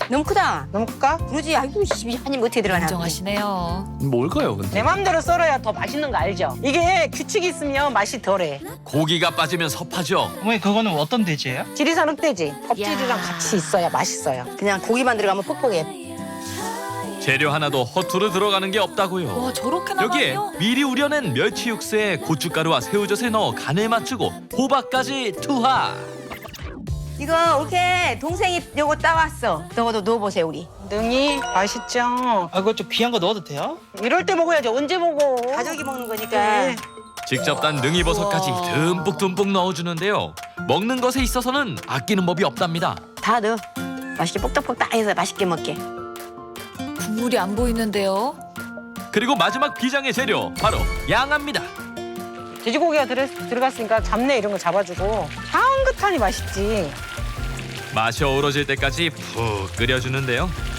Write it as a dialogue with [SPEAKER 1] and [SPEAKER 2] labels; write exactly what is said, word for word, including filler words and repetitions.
[SPEAKER 1] 너무 크다.
[SPEAKER 2] 너무 클까?
[SPEAKER 1] 그러지. 아이고 한입 어떻게 들어가나.
[SPEAKER 3] 인정하시네요.
[SPEAKER 4] 뭘까요, 근데?
[SPEAKER 2] 내 맘대로 썰어야 더 맛있는 거 알죠? 이게 규칙이 있으면 맛이 덜해.
[SPEAKER 5] 고기가 빠지면 섭하죠.
[SPEAKER 6] 어머니 그거는 어떤 돼지예요?
[SPEAKER 2] 지리산 흑돼지. 껍질이랑
[SPEAKER 1] 야.
[SPEAKER 2] 같이 있어야 맛있어요.
[SPEAKER 1] 그냥 고기만 들어가면 퍽퍽해.
[SPEAKER 5] 재료 하나도 허투루 들어가는 게 없다고요.
[SPEAKER 3] 와 저렇게
[SPEAKER 5] 여기에
[SPEAKER 3] 나가요?
[SPEAKER 5] 미리 우려낸 멸치 육수에 고춧가루와 새우젓을 넣어 간을 맞추고 호박까지 투하.
[SPEAKER 1] 이거 이렇게 동생이 요거 따왔어. 저거도 넣어보세요 우리.
[SPEAKER 2] 능이 맛있죠?
[SPEAKER 6] 아 그거 좀 귀한 거 넣어도 돼요?
[SPEAKER 2] 이럴 때 먹어야지. 언제 먹어?
[SPEAKER 1] 가족이 먹는 거니까.
[SPEAKER 2] 네.
[SPEAKER 5] 직접 딴 능이버섯까지 듬뿍듬뿍 넣어주는데요. 먹는 것에 있어서는 아끼는 법이 없답니다.
[SPEAKER 1] 다 넣어. 맛있게 뻑떡뻑떡해서 맛있게 먹게.
[SPEAKER 3] 국물이 안 보이는데요.
[SPEAKER 5] 그리고 마지막 비장의 재료 바로 양합니다.
[SPEAKER 2] 돼지고기가 들어, 들어갔으니까 잡내 이런 거 잡아주고 향긋하니 맛있지.
[SPEAKER 5] 맛이 어우러질 때까지 푹 끓여주는데요.